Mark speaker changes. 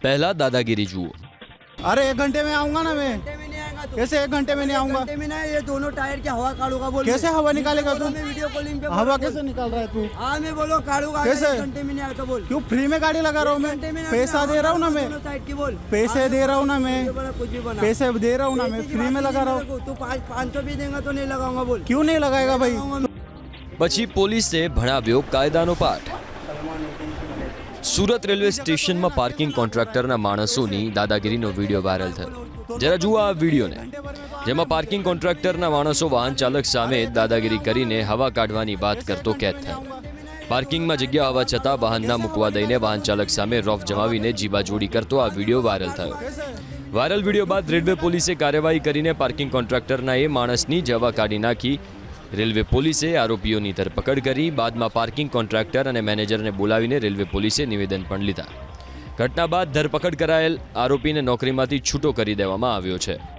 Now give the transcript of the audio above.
Speaker 1: पहला दादागिरी जुओ।
Speaker 2: अरे 1 घंटे में आऊंगा ना मैं। कैसे 1 घंटे में नहीं आऊंगा?
Speaker 3: ये दोनों टायर की हवा काढ़ूंगा बोल।
Speaker 2: कैसे हवा निकालेगा तू?
Speaker 3: मैं वीडियो कॉलिंग पे
Speaker 2: हवा कैसे निकाल रहा है तू?
Speaker 3: हाँ मैं बोलो काढ़ूंगा।
Speaker 2: कैसे?
Speaker 3: 1 घंटे में नहीं आता बोल।
Speaker 2: क्यों फ्री में गाड़ी लगा रहा हूँ मैं? पैसा दे रहा हूँ ना मैं।
Speaker 3: साइड की बोल।
Speaker 2: पैसे दे रहा हूँ ना मैं।
Speaker 3: कुछ भी बना।
Speaker 2: पैसे दे रहा हूँ ना मैं, फ्री में लगा रहा हूँ।
Speaker 3: तू 500 भी देगा तो नहीं लगाऊंगा बोल।
Speaker 2: क्यों नहीं लगाएगा भाई?
Speaker 1: પછી પોલીસે ભણાવ્યો કાયદાનો પાઠ। સુરત રેલવે સ્ટેશનમાં પાર્કિંગ કોન્ટ્રાક્ટરના માણસોની દાદાગીરીનો વિડીયો વાયરલ થયો। જરા જુઓ આ વિડીયોને, જેમાં પાર્કિંગ કોન્ટ્રાક્ટરના માણસો વાહન ચાલક સામે દાદાગીરી કરીને હવા કાઢવાની વાત કરતો કેદ થયો। પાર્કિંગમાં જગ્યા હોવા છતાં વાહન ના મૂકવા દઈને વાહન ચાલક સામે રોફ જમાવીને જીબાજોડી કરતો આ વિડીયો વાયરલ થયો। વાયરલ વિડીયો બાદ રેલવે પોલીસે કાર્યવાહી કરીને પાર્કિંગ કોન્ટ્રાક્ટરના એ માણસની જ હવા કાઢી નાખી। રેલવે પોલીસે આરોપીઓની ધરપકડ કરી। બાદમાં પાર્કિંગ કોન્ટ્રાક્ટર અને મેનેજરને બોલાવીને રેલવે પોલીસે નિવેદન પણ લીધા। ઘટના બાદ ધરપકડ કરાયેલ આરોપીને નોકરીમાંથી છૂટો કરી દેવામાં આવ્યો છે।